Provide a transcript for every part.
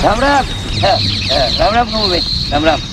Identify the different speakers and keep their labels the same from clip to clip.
Speaker 1: राम राम. राम राम भाऊ. राम राम.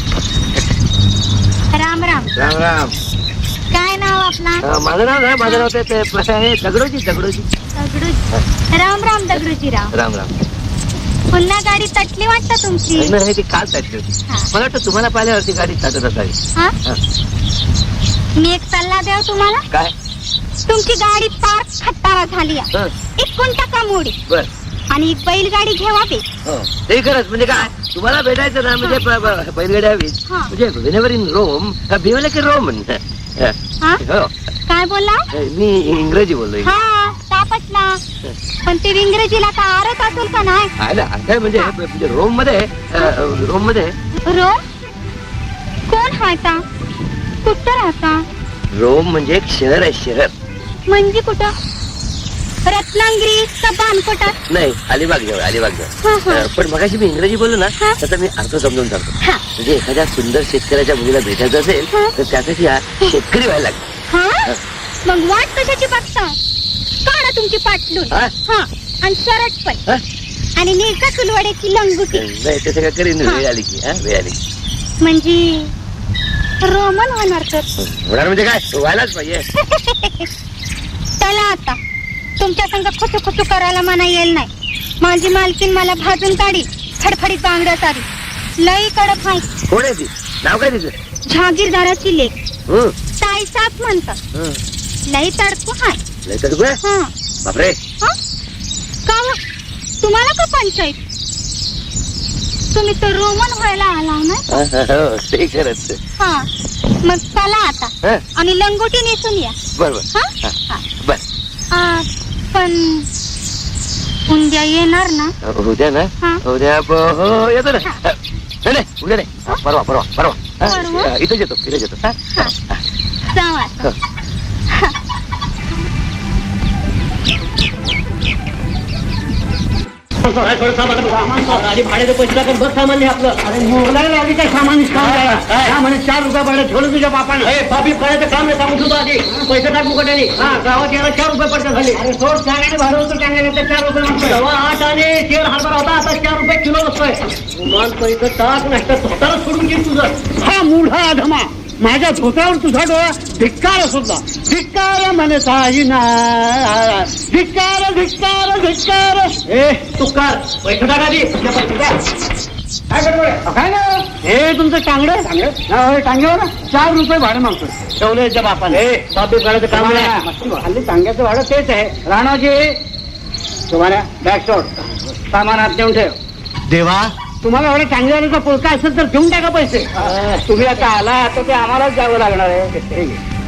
Speaker 2: राम राम.
Speaker 1: राम राम.
Speaker 2: काय नाव आपला?
Speaker 1: माझं नाव नाही, माझं नाव ते दगडोजी.
Speaker 2: दगडूजी. राम राम दगडूजी राव.
Speaker 1: राम राम.
Speaker 2: पुन्हा गाडी तटली वाटतं तुमची?
Speaker 1: नाही, ती काल तटली होती. मला वाटतं तुम्हाला पाहिल्यावरती गाडी तटत असावी.
Speaker 2: हा? मी एक सल्ला द्याव तुम्हाला.
Speaker 1: काय?
Speaker 2: तुमची गाडी पार खटारा झाली आहे. एक टाका मोडी.
Speaker 1: बर.
Speaker 2: आणि एक बैलगाडी घ्यावा बे.
Speaker 1: ते खरंच म्हणजे काय तुम्हाला भेटायचं ना म्हणजे बैलगाडी हवी म्हणजे whenever in Rome be like in Rome.
Speaker 2: काय बोलला?
Speaker 1: मी इंग्रजी बोललोय.
Speaker 2: हा तापटला. पण ते इंग्रजीला का आरत असेल का नाही?
Speaker 1: काय म्हणजे रोम मध्ये रोम
Speaker 2: कोण राहता? कुठं राहता?
Speaker 1: रोम म्हणजे एक शहर आहे. शहर
Speaker 2: म्हणजे कुठं? रत्नागिरी का बानकोटात?
Speaker 1: नाही, अलिबाग जवळ. पण मगाशी मी इंग्रजी बोललो ना त्याचा मी अर्थ समजून सांगतो. म्हणजे एखाद्या सुंदर शेतकऱ्याच्या मुलीला भेटायचं असेल तर त्यासाठी हा शेतकरी व्हायला लागतो.
Speaker 2: मग वाट कशाची बघता? काढा तुमची पाटलून आणि शर्ट पण आणि नेका सुलवाड्याची लंगुटी.
Speaker 1: नाही तसं काय करीन वेळ आली की. वेळ आली
Speaker 2: म्हणजे रोमन होणार तर
Speaker 1: होणार म्हणजे काय व्हायलाच पाहिजे.
Speaker 2: चला आता तुमच्या संग खुचू करायला मना येईल नाही. माझी मालकीन मला भाजून काढी फडफडीत बांगड्या सारी लई कडक आहे.
Speaker 1: कोण आहे ती? नाव काय तिचं?
Speaker 2: जहागीरदाराची लेक ताईसाप म्हणतात. लई तडकू हाय.
Speaker 1: लई तडकू आहे? बापरे.
Speaker 2: का तुम्हाला का पंचायत? तुम्ही तर रोमन व्हायला आला ना.
Speaker 1: ते खरंच.
Speaker 2: मग चला आता आणि लंगोटी नेसून या.
Speaker 1: बरोबर. बर.
Speaker 2: पण उद्या येणार ना?
Speaker 1: उद्या ना? उद्या येतो ना. नाही उद्या नाही, परवा इथेच येतो.
Speaker 2: जावा.
Speaker 3: गाडी भाड्याचं पैसे टाकून बस सामान आपलं. अरे मोगलायला आधी काय सामान म्हणे 4 रुपये भाडे ठेवलं तुझ्या बापाने. बाबी करायचं काम नाही सांगू सुद्धा आधी पैसे टाकू कट्याने. गावात यायला 4 रुपये पडतात झाले. अरे सोड चांगल्याने भाडं होतं चांगल्याने 4 रुपये मागतो. तेव्हा 8 आणि तेल हरभरा होता आता 4 रुपये किलो बसतोय. गुमान पैसे टाक नाही तर स्वतःला सोडून घेईन तुझं. हा मूढा धमा माझ्या धोत्रावर तुझा डोळा धिक्कार सुद्धा. धिक्कार म्हणे साई ना. धिक्कार. तू कर पैसे टाका आधी. काय ना हे तुमचं टांगडे टांग्यावर 4 रुपये भाडं मागतो. ठेवलं याच्या बापाने. बाबी करायचं काम नाही. हल्ली टांग्याचं भाडं तेच आहे. राणाजी तुम्हाला बॅकशॉट सामान आत देऊन ठेव. देवा तुम्हाला एवढ्या चांगल्या पुळका असेल तर घेऊन टाका पैसे. तुम्ही आता आला तर ते आम्हालाच द्यावं लागणार आहे.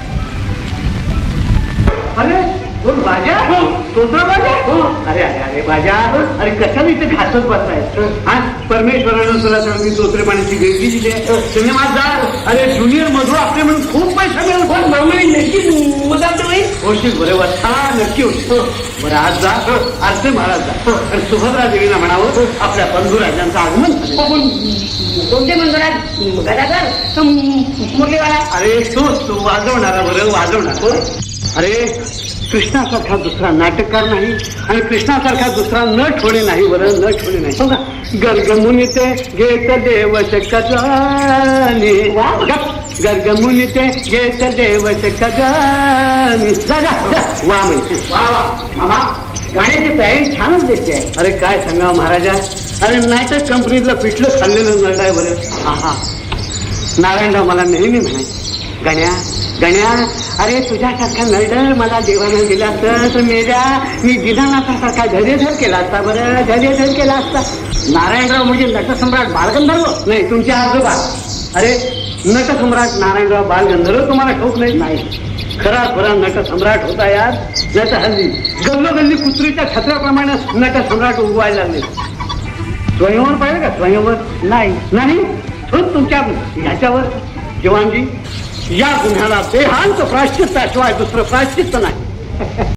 Speaker 3: अरे भाज्या अरे अरे अरे भाज्या अरे कशाला इथे घासत बसताय? परमेश्वरानं तुला सांग मी तोत्रे पाण्याची वेगळी दिली आहे. सिनेमात जा. अरे ज्युनियर मधू आपले म्हणून खूप पैसा मिळेल. पण नक्की मदत होशील बरोबर. नक्की होशील. बरं आज जा आरती महाराज जा आणि सुभद्रा देवीला म्हणावं आपल्या बंधुराजांचं आगमन. कोणते बंधुराज? गदाधर मुरलीवाला? अरे तू वाजवणारा बरं वाजवणार. अरे कृष्णासारखा दुसरा नाटककार नाही आणि कृष्णासारखा दुसरा नट होणे नाही. बरं नट होणे नाही. समजा गर्गमुनी ते घेत देव शकजानी. गर्गमुनी ते घेत देव शकजानी. वा म्हणजे मामा गाण्याची तयारी छानच दिसते. अरे काय सांगा महाराजा. अरे नाटक कंपनीतलं पिठलं खाल्लेलं नट आहे बरं. नारायणराव मला नेहमी म्हणाय गण्या अरे तुझ्यासारखा नरडर मला देवानं दिला तर मेल्या मी दिनानाथासारखा धैर्यधर केला असता. बरं धैर्यधर केला असता. नारायणराव म्हणजे नटसम्राट बालगंधर्व नाही तुमचे आजोबा. अरे नटसम्राट नारायणराव बालगंधर्व तुम्हाला ठाऊक नाही. खरा नटसम्राट होता यार. नाही तर हल्ली गल्लोगल्ली कुत्रीच्या छत्राप्रमाणे नटसम्राट उगवायला लागले. स्वयंवर पाहिजे का? स्वयंवर नाही तुमच्या ह्याच्यावर जवानजी या गुन्ह्याला बेहांत प्रायश्चित्ताशिवाय दुसरं प्रायश्चित्त नाही.